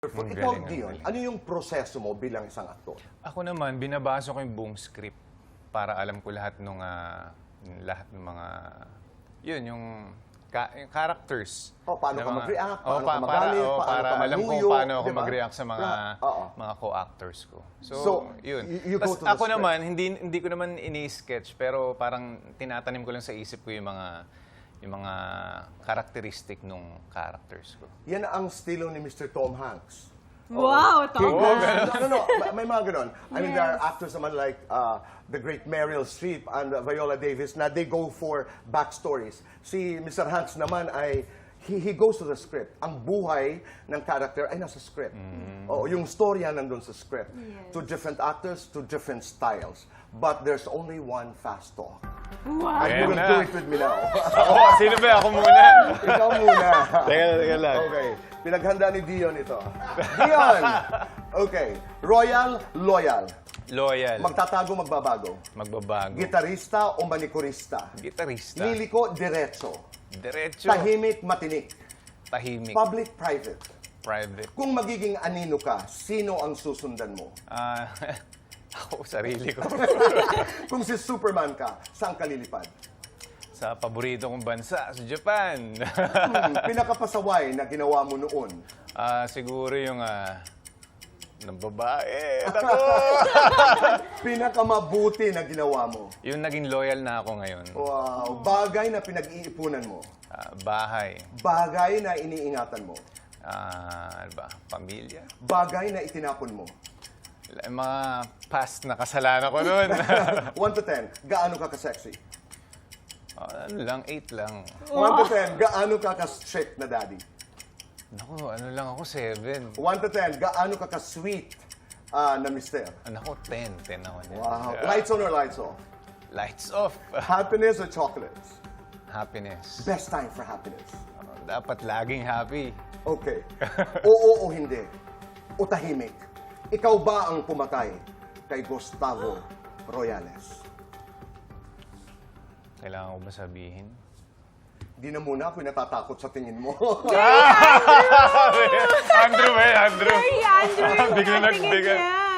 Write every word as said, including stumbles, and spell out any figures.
Ang Ikaw, galing, ang Dion, galing. ano yung proseso mo bilang isang aktor? Ako naman, binabasa ko yung buong script para alam ko lahat ng lahat ng mga yun yung, ka, yung characters. O, paano na ka mga- mag-react, O, paano pa- ka magalit, para, o, paano para ka alam ko manuyo, paano ako di ba? mag-react sa mga Lahat, oo. mga co-actors ko. So, So, yun. y- you go Tas to the ako script. naman, hindi hindi ko naman ini-sketch pero parang tinatanim ko lang sa isip ko yung mga yung mga characteristic nung characters ko. Yan ang estilo ni Mister Tom Hanks. Wow, King Tom Kong. Hanks. No, no, no. May, may mga ganon. I mean, there are Yes. actors naman like uh, the great Meryl Streep and uh, Viola Davis na they go for backstories. Si Mister Hanks naman ay he, he goes to the script. Ang buhay ng character ay nasa script. Oo, yung storya nandun sa script. Yes. To different actors, to different styles. But there's only one fast talk. Wow. And you will Ayan do na. it with me now. Ako, sino ba? Ako muna. Ikaw muna. Teka, teka lang. Okay. Pinaghanda ni Dion ito. Dion! Okay. Royal, loyal. Loyal. Magtatago, magbabago. Magbabago. Gitarista o manikurista. Gitarista. Liliko, diretso. Diretso. Tahimik, matinik. Tahimik. Public, private. Private. Kung magiging anino ka, sino ang susundan mo? Ah, ako, sarili ko. Kung si Superman ka, saan ka lilipad? Sa paborito kong bansa, sa Japan. Hmm, pinakapasaway na ginawa mo noon. Ah, siguro yung ah, ng babae. Ako! Pinakamabuti na ginawa mo. Yung naging loyal na ako ngayon. Wow. Bagay na pinag-iipunan mo. Ah, bahay. Bagay na iniingatan mo. Ah, ano ba? Pamilya. Bagay na itinapon mo. Yung mga past na kasalanan ko noon. one to ten, gaano ka ka-sexy? Ah, ano lang, eight lang. one to ten, gaano ka ka-strict na daddy? Naku, ano lang ako, seven. one to ten, gaano ka ka-sweet ah, na mister? Ako, ten. ten ako niyan. Wow. Yeah. Lights on or lights off? Lights off. Happiness or chocolates? Happiness. Best time for happiness. Ah, dapat laging happy. Okay. Oo o hindi? O tahimik? Ikaw ba ang pumatay kay Gustavo Royales? Kailangan ko ba sabihin? Di na muna ako natatakot sa tingin mo. Andrew ba? Andrew. Sorry, Andrew. Bigla Tingin nagbigay. niya.